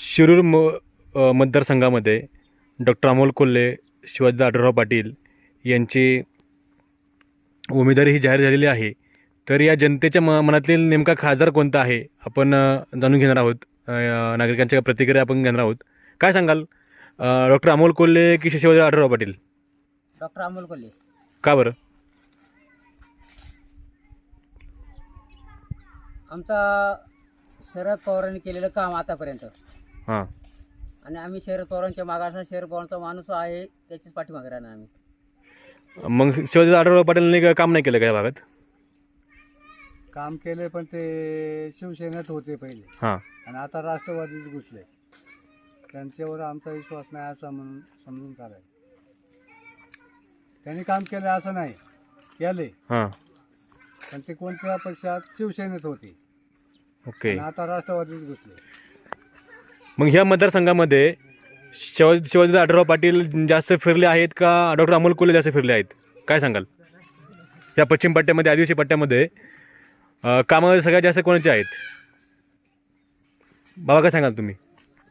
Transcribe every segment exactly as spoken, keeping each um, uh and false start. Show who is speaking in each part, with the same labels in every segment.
Speaker 1: शिरूर म अ, मतदारसंघामध्ये डॉक्टर अमोल कोल्हे, शिवाजीदादा आढळराव पाटील यांची उमेदवारी ही जाहीर झालेली आहे. तर या जनतेच्या म मनातील नेमका खासदार कोणता आहे आपण अ, जाणून घेणार आहोत. अ, नागरिकांच्या प्रतिक्रिया आपण घेणार आहोत. काय सांगाल डॉक्टर अमोल कोल्हे की शिवाजीदादा आढळराव पाटील?
Speaker 2: डॉक्टर अमोल कोल्हे.
Speaker 1: का बरं?
Speaker 2: आमचा शरद पवारांनी केलेलं काम आतापर्यंत,
Speaker 1: हां
Speaker 2: आणि आम्ही शरद पवारांच्या मागे असणार. शरद पवारांचा माणूस आहे, त्याचीच पाठीमागे राहणार आम्ही.
Speaker 1: मग शिवाजीदादा आढळराव पाटीलने का- काम नाही केलं का या भागात?
Speaker 3: काम केले पण ते शिवसेनेत होते पहिले,
Speaker 1: हां
Speaker 3: आणि आता राष्ट्रवादीत घुसले. त्यांच्यावर आमचा विश्वास नाही असं म्हणून समजून चालाय. त्यांनी काम केलं असं नाही केले,
Speaker 1: हां
Speaker 3: पण ते कोणत्या पक्षात शिवसेनेत होते
Speaker 1: ओके.
Speaker 3: आणि आता राष्ट्रवादीत घुसले.
Speaker 1: मग ह्या मतदारसंघामध्ये शिवाजी शिवाजीदादा आढळराव पाटील जास्त फिरले आहेत का डॉक्टर अमोल कोल्हे जास्त फिरले आहेत? काय सांगाल? या पश्चिम पट्ट्यामध्ये, आदिवासी पट्ट्यामध्ये अ, कामं सगळ्यात जास्त कोणाचे आहेत? बाबा काय सांगाल तुम्ही?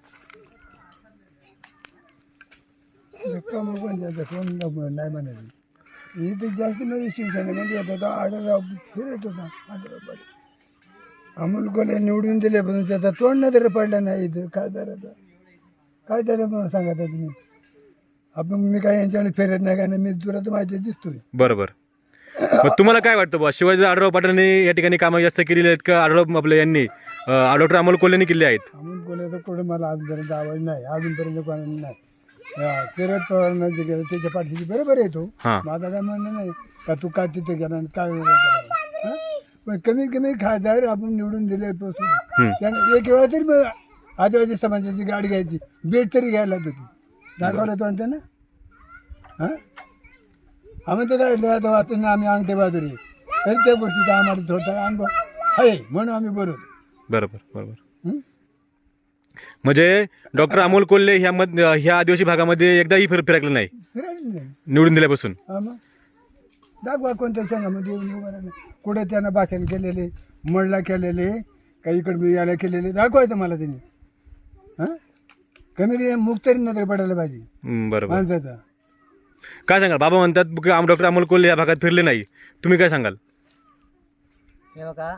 Speaker 4: नाही म्हणाली इथे जास्त म्हणजे शिवसेनेमध्ये होता तो आढळराव फिरत होता. आढळराव पाटील अमोल कोल्हे निवडून दिल्यापासून त्याचा तोंड न तरी पडला नाही इथं खासदाराचा. काय तरी मला सांगा तुम्ही. आपण मी काय यांच्यावर फिरत नाही, काय नाही, मी तुला तर माहिती दिसतोय.
Speaker 1: बरोबर. मग तुम्हाला काय वाटतं बा, शिवाजीदादा आढळराव पाटलांनी या ठिकाणी कामं जास्त केलेली आहेत का आढळराव आपले यांनी डॉक्टर अमोल कोल्हेंनी केली आहेत?
Speaker 4: अमोल कोल्हे तर कुठे मला अजूनपर्यंत आवाज नाही, अजूनपर्यंत कोणाला नाही. हा, शरद पवारांना जे केलं त्याच्या पाठीशी बरोबर येतो.
Speaker 1: हां
Speaker 4: माझा काय म्हणणं नाही का तू काय तिथे गेला आणि काय वेगळं केलं. हा? पण कमीत कमी खासदार आपण निवडून दिल्यापासून त्याने एक वेळा तरी मग आदिवासी समाजाची गाडी घ्यायची, बेट तरी घ्यायला होती, दाखवलं तो ना. हां आम्ही तर काय आता वाचताना आम्ही अंगठे बहादुरी, तरी त्या गोष्टीचा आम्हाला थोडा अनुभव आहे म्हणून आम्ही बरोबर.
Speaker 1: बरोबर बरोबर.
Speaker 4: हं?
Speaker 1: म्हणजे डॉक्टर अमोल कोल्हे ह्या मत ह्या आदिवासी भागामध्ये एकदाही फिर फिरकलं नाही
Speaker 4: फिरायला नाही.
Speaker 1: निवडून दिल्यापासून?
Speaker 4: हा मग दाखवा कोणत्या संघामध्ये येऊन उभं राहिलं. कुठे त्यानं भाषण केलेले, मळला केलेले, काही इकडे यायला केलेले दाखवायचं मला त्यांनी. हां कमी ते मुख तरी नजर पडायला पाहिजे
Speaker 1: हं, बरोबर.
Speaker 4: माणसाचा.
Speaker 1: काय सांगाल? बाबा म्हणतात की आम डॉक्टर अमोल कोल्हे या भागात फिरले नाही, तुम्ही काय सांगाल?
Speaker 2: हे बघा,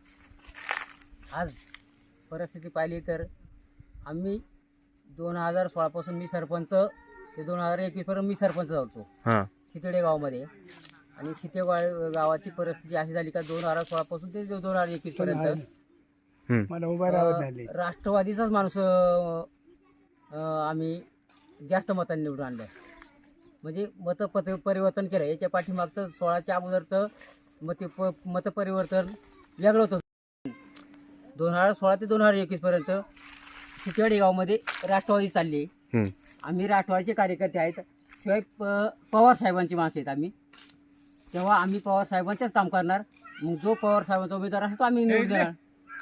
Speaker 2: आज परिस्थिती पाहिली तर आम्ही दोन हजार सोळापासून मी सरपंच ते दोन हजार एकवीसपर्यंत मी सरपंच होतो
Speaker 1: हां
Speaker 2: शितेडे गावामध्ये. आणि शितेगाव गावाची परिस्थिती अशी झाली का दोन हजार सोळापासून ते दोन हजार एकवीस पर्यंत
Speaker 1: हं.
Speaker 4: मला उभा राहत नाही.
Speaker 2: राष्ट्रवादीचाच माणूस अं, अं, आम्ही जास्त मतांनी निवडून आणलं. म्हणजे मत पत परिवर्तन केलं. याच्या पाठीमागचं सोळाच्या अगोदरचं मत प मतपरिवर्तन वेगळं होतं. दोन हजार सोळा ते दोन हजार एकवीसपर्यंत शितेवाडी गावामध्ये राष्ट्रवादी चालली.
Speaker 1: हं.
Speaker 2: आम्ही राष्ट्रवादीचे कार्यकर्ते आहेत, शिवाय प पवार साहेबांची माणसं आहेत आम्ही. तेव्हा आम्ही पवार साहेबांचेच काम करणार. मग जो पवार साहेबांचा उमेदवार असेल तो आम्ही निवडून देणार.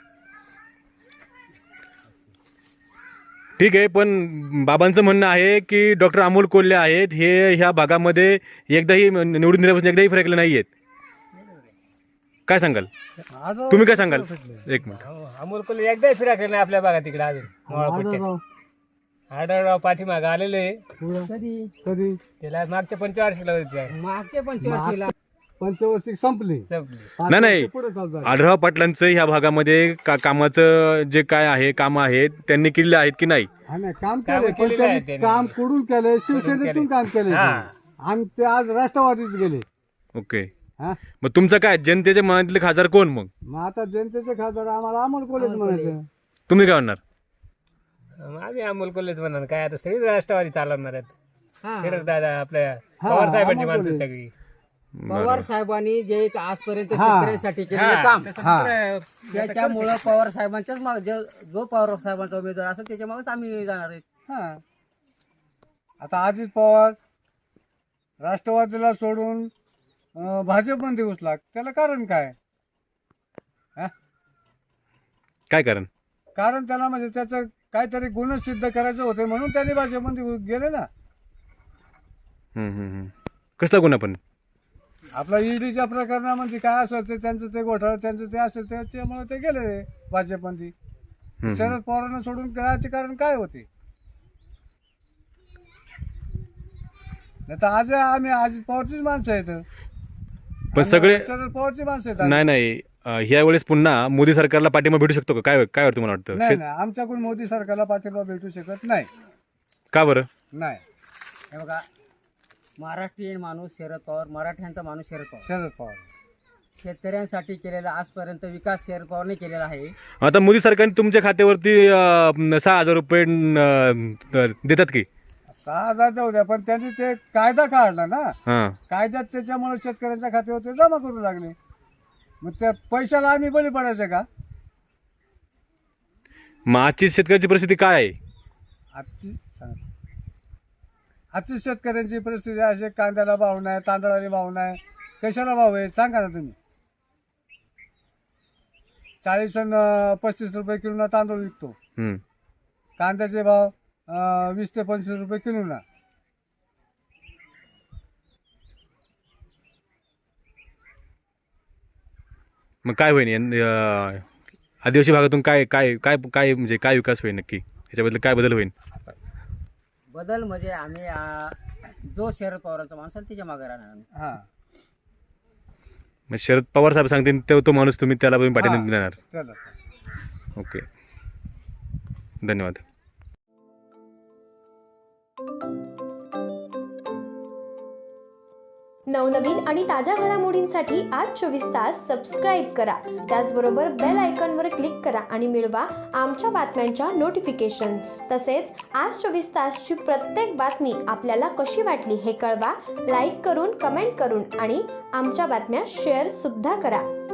Speaker 1: ठीक आहे, पण बाबांचं म्हणणं आहे की डॉक्टर अमोल कोल्हे आहेत हे ह्या भागामध्ये एकदाही निवडून दिल्यापासून एकदाही फिरकले नाही आहेत. काय सांगाल तुम्ही? काय सांगाल? एक मिनिट.
Speaker 5: अमोल कोल्हे एकदा फिराकले नाही आपल्या भागात तिकडे अजून मोळापट्ट्यात. आढळराव पाठीमागं आलेले
Speaker 2: कधी
Speaker 4: कधी
Speaker 5: त्याला मागच्या पंचवार्षिकला होते
Speaker 2: मागच्या पंचवर्षीला
Speaker 4: पंचवर्षिक संपली.
Speaker 5: संपली.
Speaker 1: नाही नाही,
Speaker 4: पुढे चालतात.
Speaker 1: आढळराव पाटलांचं ह्या भागामध्ये का कामाचं जे काय आहे कामं आहेत त्यांनी केलेले आहेत की नाही?
Speaker 4: हा नाही, काम
Speaker 5: कामं
Speaker 4: केले पण
Speaker 5: केलेली आहेत
Speaker 4: त्यांनी
Speaker 5: त्यांनी.
Speaker 4: काम कुठून केलं, शिवसेनेतून
Speaker 5: केले.
Speaker 4: काम केले.
Speaker 5: हा.
Speaker 4: आणि ते आज राष्ट्रवादीत गेले.
Speaker 1: ओके.
Speaker 4: हा
Speaker 1: मग तुमचं काय जनतेच्या मनातले खासदार कोण? मग
Speaker 4: मग आता जनतेचे खासदार आम्हाला अमोल कोल्हेच म्हणायचं.
Speaker 1: तुम्ही काय म्हणणार?
Speaker 5: आम्ही अमोल कोल्हेच म्हणणार. काय आता सगळीच राष्ट्रवादी चालवणार आहेत.
Speaker 2: हा.
Speaker 5: शरद दादा आपल्या
Speaker 4: हा,
Speaker 5: पवार साहेबांची
Speaker 4: अमोल
Speaker 5: माणसं
Speaker 4: कोल्हे.
Speaker 5: सगळी.
Speaker 2: पवार साहेबांनी जे आजपर्यंत
Speaker 4: हा.
Speaker 2: शेतकऱ्यांसाठी केलेलं काम,
Speaker 4: हा.
Speaker 2: त्याच्यामुळं पवार साहेबांच्याच माग जो जो पवार साहेबांचा उमेदवार असेल त्याच्या मागच आम्ही जाणार आहेत.
Speaker 4: हा आता अजित पवार राष्ट्रवादीला सोडून अं, भाजपमध्ये घुसला, त्याला कारण काय? हा?
Speaker 1: काय कारण?
Speaker 4: कारण त्याला म्हणजे त्याचं काहीतरी गुण सिद्ध करायचं होते म्हणून त्यांनी भाजपमध्ये गेले ना.
Speaker 1: हम्म, हम्म, हम्म. कसला गुन्हा पण?
Speaker 4: आपला ईडीच्या प्रकरणामध्ये काय असेल ते त्यांचं ते घोटाळा त्यांचं ते असेल त्याच्यामुळे ते गेले भाजपमध्ये.
Speaker 1: हम्म.
Speaker 3: शरद पवारांना सोडून करायचे कारण काय होते? नाही तर आज आम्ही अजित पवारचीच माणसं आहेत.
Speaker 1: पण
Speaker 3: आणि
Speaker 1: सगळे
Speaker 3: शरद पवारची माणसं आहेत आम्ही.
Speaker 1: नाही नाही अं, ह्या वेळेस पुन्हा मोदी सरकारला पाठिंबा भेटू शकतो का? काय काय वाटतं तुम्हाला वाटतं?
Speaker 3: नाही
Speaker 1: शेत-
Speaker 3: नाही आमच्याकडून मोदी सरकारला पाठिंबा भेटू शकत नाही.
Speaker 1: का बरं?
Speaker 3: नाही.
Speaker 2: हे बघा, महाराष्ट्रीयन माणूस शरद पवार, मराठ्यांचा माणूस शरद पवार.
Speaker 3: शरद पवार
Speaker 2: शेतकऱ्यांसाठी केलेला आजपर्यंत विकास शरद पवारने केलेला आहे.
Speaker 1: आता मोदी सरकारने तुमच्या खात्यावरती अं, सहा हजार रुपये अं, देतात की?
Speaker 3: सहा हजार जाऊ द्या, पण त्यांनी ते कायदा काढला ना.
Speaker 1: हां
Speaker 3: कायद्यात त्याच्यामुळे शेतकऱ्यांच्या खात्यावर ते जमा करू लागले. मग त्या पैशाला आम्ही बळी पडायचं का?
Speaker 1: मग आजची शेतकऱ्याची परिस्थिती काय आहे?
Speaker 3: आजची सांगा. आजची शेतकऱ्यांची परिस्थिती अशी, कांद्याला भाव नाही, तांदळाला भाव नाही, कशाला भाव आहे सांगा ना तुम्ही. चाळीस आणि पस्तीस रुपये किलोना तांदूळ विकतो.
Speaker 1: हम्म.
Speaker 3: कांद्याचे भाव अं, वीस ते पंचवीस रुपये किलोना.
Speaker 1: मग काय होईल यं- अं, आदिवासी भागातून काय काय काय काय म्हणजे काय विकास होईल नक्की? याच्याबद्दल काय बदल होईल?
Speaker 2: बदल म्हणजे आम्ही आ, जो शरद पवारांचा माणूस आहे त्याच्या मागे राहणार आम्ही.
Speaker 3: हां
Speaker 1: मग शरद पवार साहेब सांगतील तो तो माणूस तुम्ही त्याला पण पाठिंबा
Speaker 3: हां.
Speaker 1: देणार?
Speaker 3: चला.
Speaker 1: ओके, धन्यवाद.
Speaker 6: नवनवीन आणि ताज्या घडामोडींसाठी आज चोवीस तास सबस्क्राईब करा. त्याचबरोबर बेल आयकॉनवर क्लिक करा आणि मिळवा आमच्या बातम्यांच्या नोटिफिकेशन्स. तसेच आज चोवीस तासची प्रत्येक बातमी आपल्याला कशी वाटली हे कळवा. लाईक करून, कमेंट करून आणि आमच्या बातम्या शेअर सुद्धा करा.